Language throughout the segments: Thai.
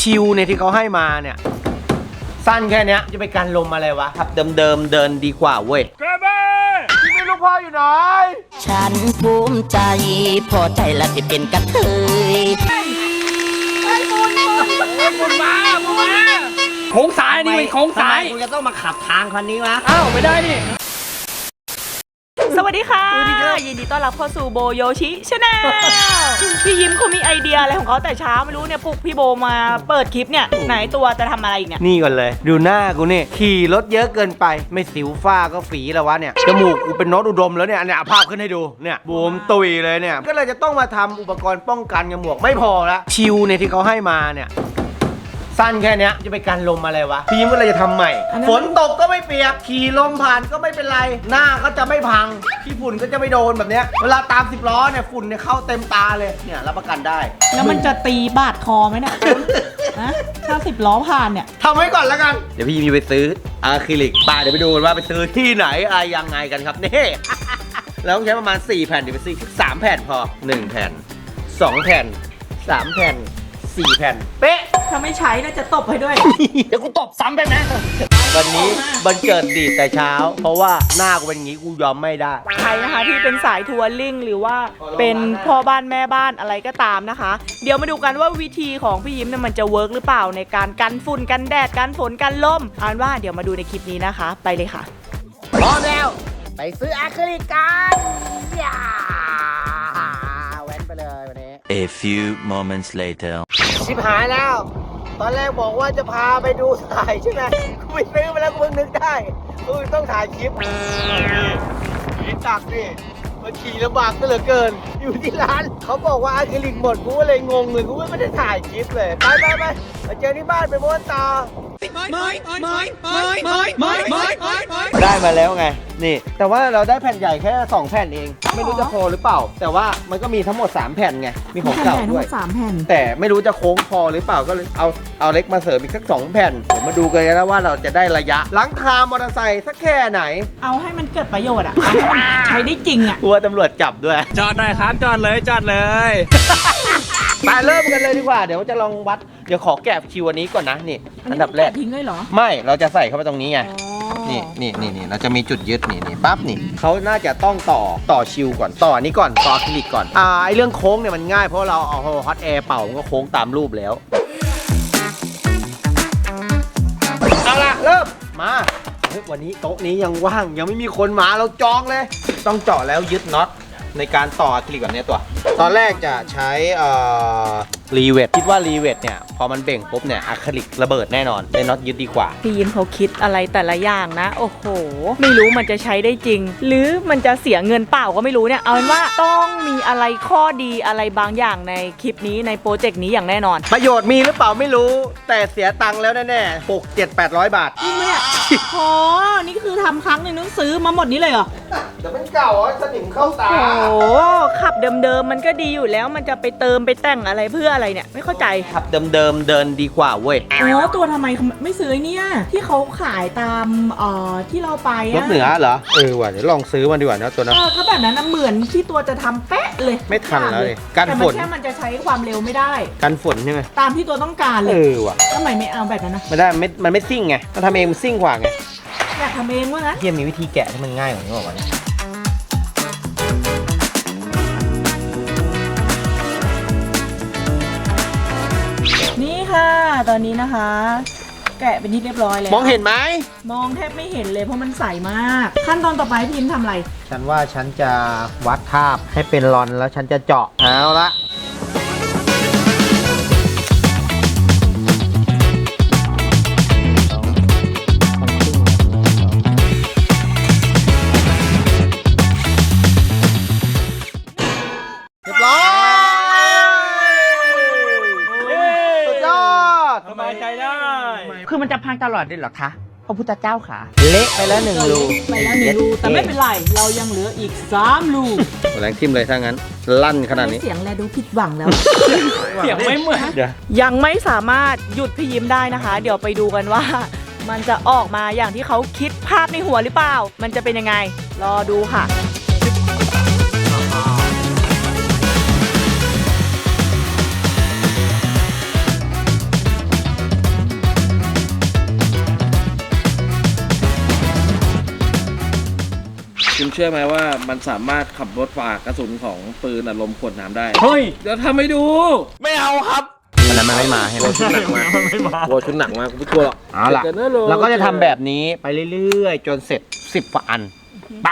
ชิวเนี่ยที่เขาให้มาเนี่ยสั้นแค่นี้จะไปกันลมอะไรวะครับเดิมเดินดีกว่าเว้ยแกแม่ที่ไม่ลูกพ่ออยู่ไหนฉันภูมิใจพอใจและที่เป็นกระเทยคุณมาโค้งซ้ายนี่เป็นโค้งซ้ายคุณจะต้องมาขับทางคันนี้วะอ้าวไม่ได้นี่สวัสดีค่ะยินดีต้อนรับเข้าสู่โบโยชิชาแนลพี่ยิ้มเขามีไอเดียอะไรของเขาแต่เช้าไม่รู้เนี่ยปลุกพี่โบมาเปิดคลิปเนี่ยไหนตัวจะทำอะไรอีกเนี่ยนี่ก่อนเลยดูหน้ากูนี่ขี่รถเยอะเกินไปไม่สิวฝ้าก็ฝีแล้ววะเนี่ยจมูกกูเป็นโน้ตอุดมแล้วเนี่ยภาพขึ้นให้ดูเนี่ยบวมตุยเลยเนี่ยก็เลยจะต้องมาทำอุปกรณ์ป้องกันกับหมวกไม่พอละชิวเนี่ยที่เขาให้มาเนี่ยสั้นแค่นี้จะไปกันลมอะไรวะพี่ยิ้มก็เลยจะทำใหม่ฝนตกก็ไม่เปียกขี่ลมผ่านก็ไม่เป็นไรหน้าก็จะไม่พังขี้ฝุ่นก็จะไม่โดนแบบเนี้ยเวลาตาม10 ล้อเนี่ยฝุ่นเนี่ยเข้าเต็มตาเลยเนี่ยรับประกันได้แล้วมันจะตีบาดคอไหมเนี่ยนะถ้า10 ล้อผ่านเนี่ยทำไว้ก่อนแล้วกันเดี๋ยวพี่ยิ้มไปซื้ออะคริลิกเดี๋ยวไปดูกันว่าไปซื้อที่ไหนอะไรยังไงกันครับนี่แล้วต้องใช้ประมาณ4 แผ่นเดี๋ยวไปซื้อ3 แผ่นพอ1 แผ่น2 แผ่น3 แผ่น4 แผ่นเป๊ะถ้าไม่ใช้น่าจะตบให้ด้วยเดี๋ยวกูตบซ้ำไปนะวันนี้บันเกิดดีแต่เช้าเพราะว่าหน้ากูเป็นอย่างงี้กูยอมไม่ได้ใครนะคะที่เป็นสายทัวริ่งหรือว่าเป็นพ่อบ้านแม่บ้านอะไรก็ตามนะคะเดี๋ยวมาดูกันว่าวิธีของพี่ยิ้มเนี่ยมันจะเวิร์กหรือเปล่าในการกันฝุ่นกันแดดกันฝนกันลมอ่านว่าเดี๋ยวมาดูในคลิปนี้นะคะไปเลยค่ะพร้อมแล้วไปซื้ออะคริลิกกันแว้นไปเลยวันนี้ A few moments later ชิบหายแล้วตอนแรกบอกว่าจะพาไปดูถ่ายใช่ไหมกูไปซื้อมาแล้วกูเพิ่งนึกได้กูต้องถ่ายคลิปนี่ตักดิมันขี่ลำบากก็เหลือเกินอยู่ที่ร้านเขาบอกว่าอะคริลิกหมดกูก็เลยงงเลยกูไม่ได้ถ่ายคลิปเลยไปมาเจอที่บ้านไปม้วนต่อได้มาแล้วไงนี่แต่ว่าเราได้แผ่นใหญ่แค่2 แผ่นเองไม่รู้จะพอหรือเปล่าแต่ว่ามันก็มีทั้งหมด3 แผ่นไงมีของเก่าด้วย 3 แผ่นแต่ไม่รู้จะโค้งพอหรือเปล่าก็เลยเอาเล็กมาเสริมอีกสัก2 แผ่นเดี๋ยวมาดูกันนะว่าเราจะได้ระยะหลังคามอเตอร์ไซค์สักแค่ไหนเอาให้มันเกิดประโยชน์อะใช้ได้จริงอะกลัวตำรวจจับด้วยจอดหน่อยครับจอดเลยมาเริ่มกันเลยดีกว่าเดี๋ยวจะลองวัดเดี๋ยวขอแกะคิวอันนี้ก่อนนะนี่อันดับแรกทิ้งเลยเหรอไม่เราจะใส่เข้าไปตรงนี้ไงนี่เราจะมีจุดยึดนี่ปั๊บนี่เขาน่าจะต้องต่อชิวก่อนต่อนี้ก่อนต่ออะคริลิกก่อนไอเรื่องโค้งเนี่ยมันง่ายเพราะเราเอาฮอตแอร์เป่ามันก็โค้งตามรูปแล้วเอาล่ะเริ่มมาวันนี้โต๊ะนี้ยังว่างยังไม่มีคนมาเราจองเลยต้องเจาะแล้วยึดน็อตในการต่ออะคริลิกแบบนี้ตอนแรกจะใช้รีเวทคิดว่ารีเวทเนี่ยพอมันเบ่งปุ๊บเนี่ยอะคริลิกระเบิดแน่นอนได้น็อตยึดดีกว่าพี่ยิ้มเขาคิดอะไรแต่ละอย่างนะโอ้โหไม่รู้มันจะใช้ได้จริงหรือมันจะเสียเงินเปล่าก็ไม่รู้เนี่ยเอาเป็นว่าต้องมีอะไรข้อดีอะไรบางอย่างในคลิปนี้ในโปรเจกต์นี้อย่างแน่นอนประโยชน์มีหรือเปล่าไม่รู้แต่เสียตังค์แล้วแน่ๆ600-800 บาทจริงไหมเนี่ยอ๋อนี่คือทำครั้งหนึ่งต้องซื้อมาหมดนี้เลยเหรอเดี๋ยวมันเก่าสนิมเข้าตาโอ้ขับเดิมมันก็ดีอยู่แล้วมันจะไปเติมไปแต่งอะไรเพื่ออะไรเนี่ยไม่เข้าใจขับเดิมเดินดีกว่าเว้ยตัวทำไมไม่ซื้อเนี่ยที่เขาขายตามที่เราไปรถเหนือเหรอว่ะเดี๋ยวลองซื้อมันดีกว่านะตัวนั้นก็แบบนั้นเหมือนที่ตัวจะทำเป๊ะเลยไม่ทันเลยกันฝนแต่แค่มันจะใช้ความเร็วไม่ได้กันฝนใช่ไหมตามที่ตัวต้องการเลยว่ะทำไมไม่เอาแบบนั้นนะไม่ได้มันไม่ซิ่งไงมันทำเองมันซิ่งกว่าไงอยากทำเองวะนะเทียมมีวิธีแกะที่มันง่ายกว่านี้บอกว่านี่ค่ะตอนนี้นะคะแกะเป็นที่เรียบร้อยแล้วมองเห็นไหมมองแทบไม่เห็นเลยเพราะมันใสมากขั้นตอนต่อไปพี่ยิ้มทำอะไรฉันว่าฉันจะวัดคาบให้เป็นรอนแล้วฉันจะเจาะเอาละเรียบร้อยสบายใจได้คือมันจะพังตลอดเลยเหรอคะพระพุทธเจ้าค่ะเละไปแล้ว1 รูแต่ไม่เป็นไรเรายังเหลืออีก3 รูแรงทิ่มเลยถ้างั้นลั่นขนาดนี้เสียงแลดูผิดหวังแล้วเสียงไม่เหมือนยังไม่สามารถหยุดพี่ยิ้มได้นะคะเดี๋ยวไปดูกันว่ามันจะออกมาอย่างที่เขาคิดภาพในหัวหรือเปล่ามันจะเป็นยังไงรอดูค่ะเชื่อไหมว่ามันสามารถขับรถฝ่ากระสุนของปืนอัดลมขวดน้ำได้เฮ้ยเดี๋ยวทำให้ดูไม่เอาครับอันนั้นมันไม่มาใช่ไหมชุดหนักมากโอ้ชุดหนักมากกูไม่กลัวหรอกเอาล่ะเจอกันนะโลเราก็จะทำแบบนี้ไปเรื่อยๆ จนเสร็จ 10 กว่าอันไป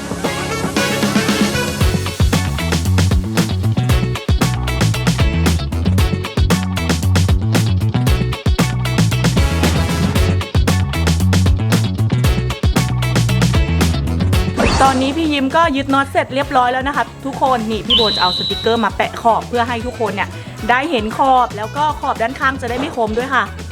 ตอนนี้พี่ยิ้มก็ยึดน็อตเสร็จเรียบร้อยแล้วนะคะทุกคนนี่พี่โบจะเอาสติกเกอร์มาแปะขอบเพื่อให้ทุกคนเนี่ยได้เห็นขอบแล้วก็ขอบด้านข้างจะได้ไม่คมด้วยค่ะไป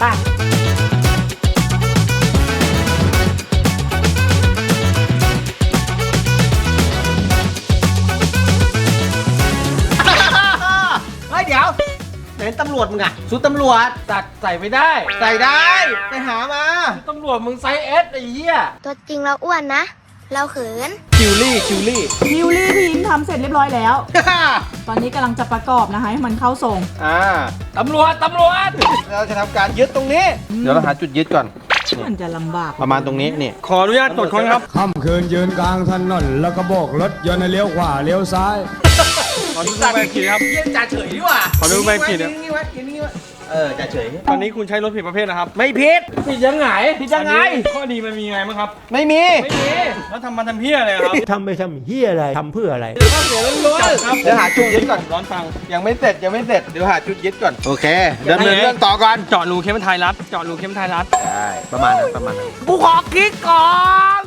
เฮ้ยเดี๋ยวไหนตำรวจมึงอะชุดตำรวจตัดใส่ไม่ได้ใส่ได้ ไปหามาตำรวจมึงไซส์เอสไอ้เหี้ยตัวจริงเราอ้วนนะ เราเขินคิวลี่นิวลี่พี่ยิ้มทำเสร็จเรียบร้อยแล้ว ตอนนี้กำลังจะประกอบนะคะให้มันเข้าทรงตำรวจเราจะทำการยึดตรงนี้ เดี๋ยวเราหาจุดยึดก่อนมันจะลำบากประมาณตรงนี้นี่ขออนุญาตตรวจค้นครับค่ำคืนยืนกลางถนนแล้วก็โบกรถยนต์ให้เลี้ยวขวาเลี้ยวซ้ายขอดูใบขับขี่ครับเยี่ยมจ่าเฉยดีกว่าขอดูใบขับขี่กินนี่ไว้กินนี่ไว้จ่าเฉยตอนนี้คุณใช้รถผิดประเภทนะครับไม่ผิดผิดยังไงผิดยังไงอันนี้ข้อดีมันมีไงบ้างครับไม่มีไม่มีแล้วทำเพี้ยอะไรครับทำไปทำเฮียอะไร ทำเพื่ออะไรข้อเสียล้วนๆครับเดี๋ยวหาจุดยึดก่อนร้อนฟังยังไม่เสร็จ เดี๋ยวหาจุดยึดก่อน โอเคดำเนินเรื่องต่อก่อนเจาะรูเข้มไทยรัฐ เจาะรูเข้มไทยรัฐได้ประมาณนั้นกูขอคิดก่อน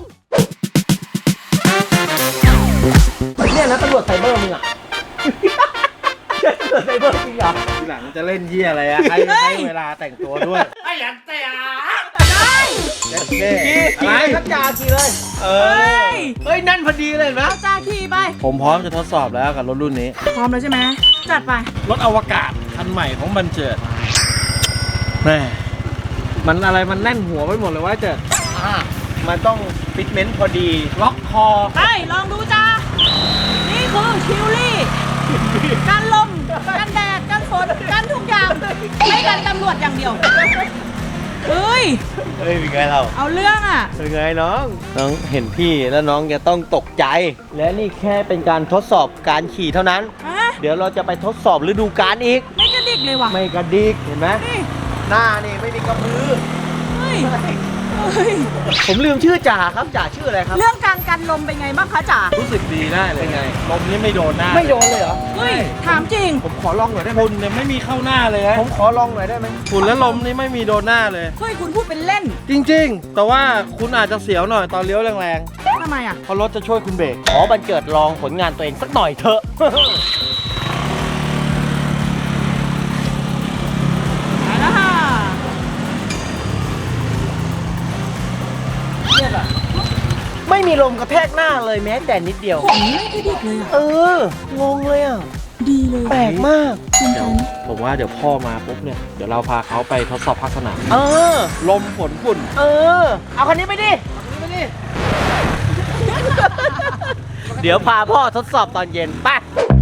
เนี่ยนะตำรวจไซเบอร์มึงอ่ะ ตำรวจไซเบอร์จริงเหรอทีหลังจะเล่นเหี้ยอะไรอะให้เวลาแต่งตัวด้วยเอะไรครับจ่าขี่เลยเอเฮ้อยเฮ้ยนั่นพอดีเลยนะเอาจ้าขี่ไปผมพร้อมจะทดสอบแล้วกับรถรุ่นนี้พร้อมแล้วใช่ไหมจัดไปรถอวกาศคันใหม่ของบันเจิดแม่มันอะไรมันแน่นหัวไปหมดเลยว่าเจิดมันต้องฟิตเมนต์พอดีล็อกคอไปลองดูจ้า นี่คือคิวลี่กันลมกันแดดกันฝนกันทุกอย่างไม่กันตำรวจอย่างเดียวเฮ้ยเฮ้ยเป็นไงเราเอาเรื่องอ่ะเป็นไงน้องเห็นพี่แล้วน้องจะต้องตกใจ และนี่แค่เป็นการทดสอบการขี่เท่านั้นฮะเดี๋ยวเราจะไปทดสอบฤดูกาลอีกไม่กระดิกเลยว่ะไม่กระดิกเห็นไหมนี่หน้านี่ไม่มีกระพือเฮ้ยเฮ้ยผมลืมชื่อจ่าครับจ่าชื่ออะไรครับเรื่องการกันลมเป็นไงบ้างคะจ๋ารู้สึกดีได้เลยไงลมนี่ไม่โดนหน้าไม่โดนเลยเหรอเฮ้ยถามจริงผมขอลองหน่อยได้ไหมฝุ่นเนี่ยไม่มีเข้าหน้าเลยนะผมขอลองหน่อยได้ไหมฝุ่นและลมนี่ไม่มีโดนหน้าเลยเฮ้ยคุณพูดเป็นเล่นจริงๆ แต่ว่าคุณอาจจะเสียวหน่อยตอนเลี้ยวแรงทำไมอ่ะๆเพราะรถจะช่วยคุณเบรกขอบันเจิดลองผลงานตัวเองสักหน่อยเถอะไปแล้วค่ะไม่มีลมกระแทกหน้าเลยแม้แต่นิดเดียวผมไม่กระดิกเลยอ่ะงงเลยอ่ะดีเลยแปลกมากจริงเดี๋ยวจังผมว่าเดี๋ยวพ่อมาปุ๊บเนี่ย เดี๋ยวเราพาเขาไปทดสอบภาคสนามเออลมฝนฝุ่นเอาคันนี้ไปดิ เดี๋ยวพาพ่อทดสอบตอนเย็นไป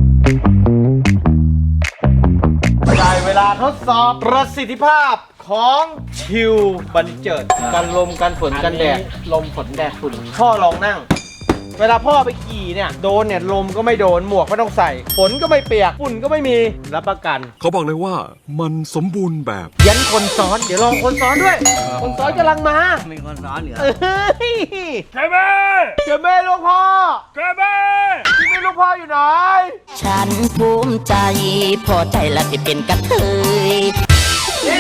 ได้เวลาทดสอบประสิทธิภาพของชิวบันเจิดกันลมกันฝนกันแดดลมฝนแดดฝุ่นพ่อลองนั่ง เวลาพ่อไปขี่เนี่ยโดนเนี่ยลมก็ไม่โดนหมวกไม่ต้องใส่ฝนก็ไม่เปียกฝุ่นก็ไม่มีรับประกันเขาบอกเลยว่ามันสมบูรณ์แบบยันคนซ้อนเดี๋ยวลองคนซ้อนด้วย คนซ้อนกำลังมามีคนร้อนเหรอเฮ้ยเจ้าแม่เจ้าแม่ลูกพ่อเจ้าแม่ที่แม่ลูกพ่ออยู่ไหนฉันภูมิใจ พอใจละที่เป็นกระเทยนี่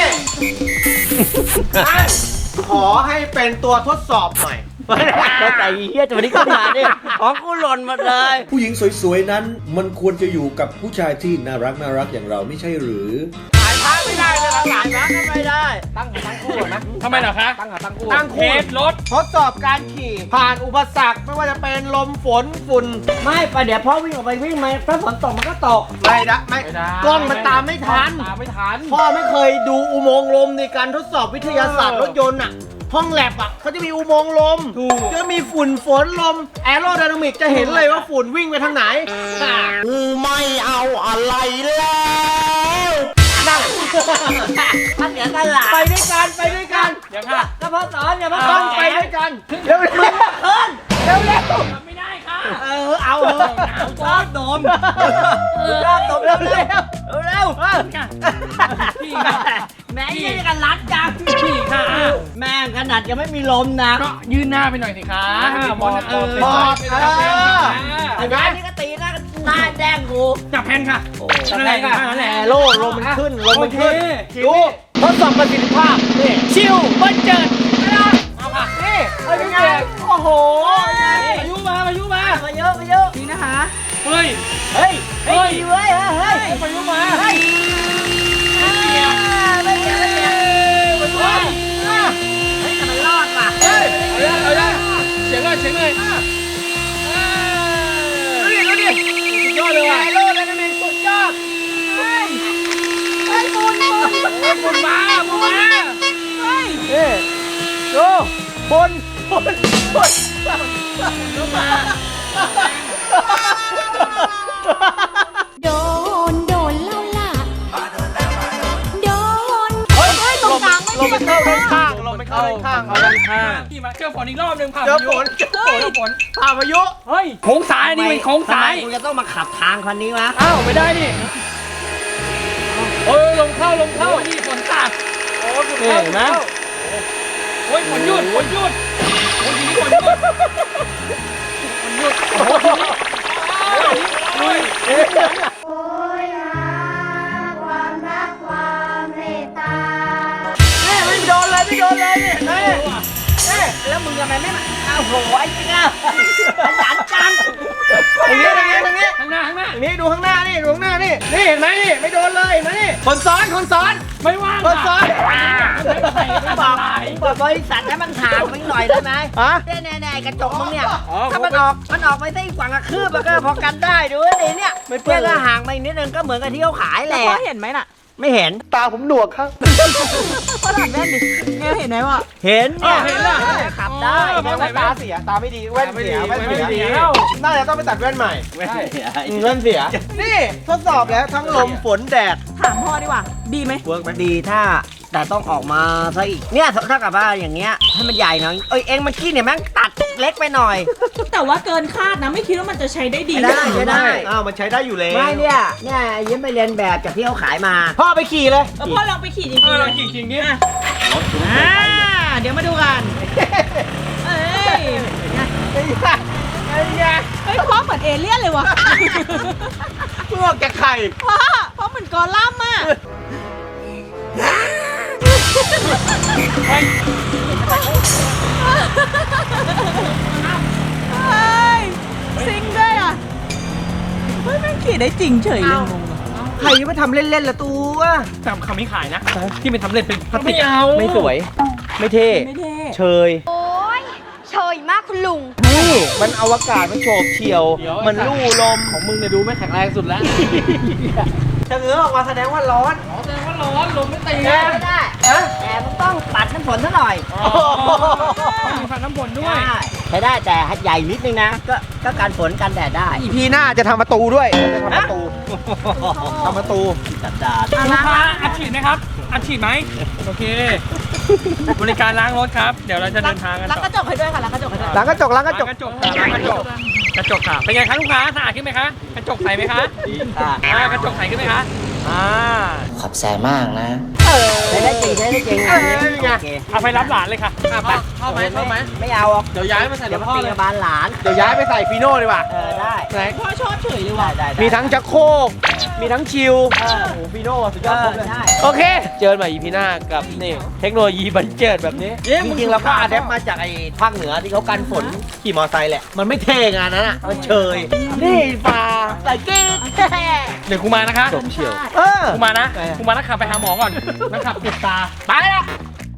ขอให้เป็นตัวทดสอบหน่อยแต่เฮียจะวันนี้ขึ้นมาเนี่ยของกูหล่นหมดเลยผู้หญิงสวยๆนั้นมันควรจะอยู่กับผู้ชายที่น่ารักอย่างเราไม่ใช่หรือถ่ายพักไม่ได้เลยหลังๆนะไม่ได้ ตั้งคู่นะทำไมเหรอคะตั้งคู่ตั้งเทสรถทดสอบการขี่ ผ่านอุปสรรคไม่ว่าจะเป็นลมฝนฝุ่นไม่ไปเดี๋ยวพ่อวิ่งออกไปวิ่งมาถ้าฝนตกมันก็ตกไม่ได้ไม่กล้องมันตามไม่ทันตามไม่ทันพ่อไม่เคยดูอุโมงค์ลมในการทดสอบวิทยาศาสตร์รถยนต์อ่ะ ห้องแลบอ่ะเขาจะมีอุโมงค์ลมถูกจะมีฝุ่นฝนลมแอโรไดนามิกจะเห็นเลยว่าฝุ่นวิ่งไปทางไหนไม่เอาอะไรแล้วนั่นถ้าเสียกันหลาไปด้วยกันไปด้วยกันเดี๋ยวค่ะก็พ่อสอนอย่ามาต้องไปด้วยกันเร็วเร็วเร็วไม่ได้ค่ะชอบดมชอบตบเร็วเร็วพี่ค่ะแม่ยังกันรัดจังพี่ค่ะแม่งขนาดยังไม่มีลมนะก็ยืนหน้าไปหน่อยสิคะบอลไอ้แม่นี่ก็ตีหน้าแดงกูจับแผ่นค่ะอะไรกันนั่นแหละโล่ลมมันขึ้นลมมันขึ้นดูทดสอบประสิทธิภาพนี่ชิวเบิ้ลเจิดเอาค่ะนี่เป็นไงโอ้โหพายุมาเยอะนี่นะคะเฮ้ยเฮ้ยพายุมาเฮ้ยแต่มันรอดว่ะเอาได้เสียงเลยดูดิสุดยอดเลยว่ะโลดเลยนะเมนสุดยอดบุญมาดูบนโดนเล่าล่ะ โดนตรงกลางไม่ลมมันเข้าด้านข้างลมมันเข้าด้านข้างเอาด้านข้างที่มาเจอฝนอีกรอบหนึ่งผ่านเจอฝนผ่าพายุเฮ้ยโค้งซ้ายนี่เป็นโค้งซ้ายกูจะต้องมาขับทางคันนี้วะอ้าวไม่ได้นี่ลมเข้านี่ฝนตัดโอ้ฝนเข้านะโอ้ยฝนหยุดโอ้ยทีนี้ฝนหยุดโอ้ทีนี้ลุยโอ้ยหาความรักความเมตตาไม่โดนเลยนี่แล้วมึงทำไมไม่มาอ้าวโหไอ้จริงอ่ะขยันจังตรงนี้ข้างหน้านี่ดูข้างหน้านี่นี่เห็นไหมนี่ไม่โดนเลยเห็นไหมนี่คนซ้อนไม่ว่างคนซ้อนบอกบริษัทให้มันห่างไปหน่อยได้ไหมฮะแน่กระจกมึงเนี่ยถ้ามันออกไปได้กว่าคืบมันก็พอกันได้ดูดิเนี่ยเพื่อนก็ห่างไปนิดนึงก็เหมือนกับที่เขาขายแหละพ่อเห็นไหมน่ะไม่เห็นตาผมหนวกครับพ่อถอดแว่นดิเนี่ยเห็นไหมวะเห็นเนี่ยเห็นล่ะขับได้ตาเสียตาไม่ดีแว่นเสียน่าจะต้องไปตัดแว่นใหม่แว่นเสียนี่ทดสอบแล้วทั้งลมฝนแดดถามพ่อดีกว่า ดีไหมเวิร์กมันดีถ้าแต่ต้องออกมาซะอีกเนี่ยถ้ากับว่าอย่างเงี้ยให้มันใหญ่หน่อยเองเมื่อกี้เนี่ยแม่งตัดเล็กไปหน่อยแต่ว่าเกินคาดนะไม่คิดว่ามันจะใช้ได้ดีได้อ้าวมันใช้ได้อยู่แล้วไม่เนี่ยยิ้มไปเรียนแบบจากที่เขาขายมาพ่อไปขี่เลยพ่อลองไปขี่จริงๆเราเลยขี่จริงดิเดี๋ยวมาดูกันเอ้ยเฮ้ยพ่อเหมือนเอเลี่ยนเลยวะพวกจะไข่พ่อเหมือนกอลัมน์อ่ะเฮ้ยซิงด้วยอ่ะเฮ้ยแม่งขี่ได้จริงเฉยเลยใครจะไปทำเล่นๆละตัวแต่คำนี้ขายนะที่เป็นทำเล่นเป็นพลาสติกไม่สวย ไม่เท่ไม่เท่เชยโอ้ยเฉยมากคุณลุงนี่มันอวกาศมันโฉบเฉี่ยว มันลู่ลมของมึงเนี่ยดูไม่แข็งแรงสุดแล้วจะเงื้อออกมาแสดงว่าร้อนแสดงว่าร้อนลมไม่ตีไม่ได้แต่มันต้องปัดน้ำฝนซะหน่อยมีฝันน้ำฝนด้วยใช้ได้แต่ใหญ่นิดนึงนะก็การฝนกันแดดได้อีพีหน้าจะทำประตูด้วยจะทำประตูจัดจานลูกค้าอัดฉีดไหมครับอัดฉีดไหมโอเค บริการล้างรถครับ เดี๋ยวเราจะเดินทางกันล้างต่กระจกให้ด้วยค่ะล้างกระจกให้ด้วยล้างกระจกล้างกระจกกระจกค่ะเป็นไงคะลูกค้าสะอาดขึ้นไหมคะกระจกใสไหมคะกระจกใสขึ้นไหมคะขอบใจมากนะใช้ได้จริงโอเคเอาไปรับหลานเลยค่ะไปเข้าไหมไม่เอาหรอกเดี๋ยวย้ายมาใส่เดี๋ยวรถมาพ่อตีเลยกับบานหลานเดี๋ยวย้ายไปใส่ฟีโน่ดีกว่าได้ไหนพ่อชอบเฉยเลยว่ะได้มีทั้งจักโคกมีทั้งชิลโอ้โหฟีโน่สุดยอดครบเลยได้โอเค เจอกันใหม่อีพีหน้ากับนี่เทคโนโลยีบันเจิดแบบนี้ จริงๆแล้วก็อาแดปมาจากไอ้ภาคเหนือที่เขากันฝนขี่มอไซค์แหละ มันไม่เท่งานนั้นอ่ะ มันเชย นี่ฟ้าใส่กิ๊กเดี๋ยวกูมานะคะจบเฉียวกูมานะกูมานักขับไปหาหมอก่อนนักขับเจ็บตาไปละ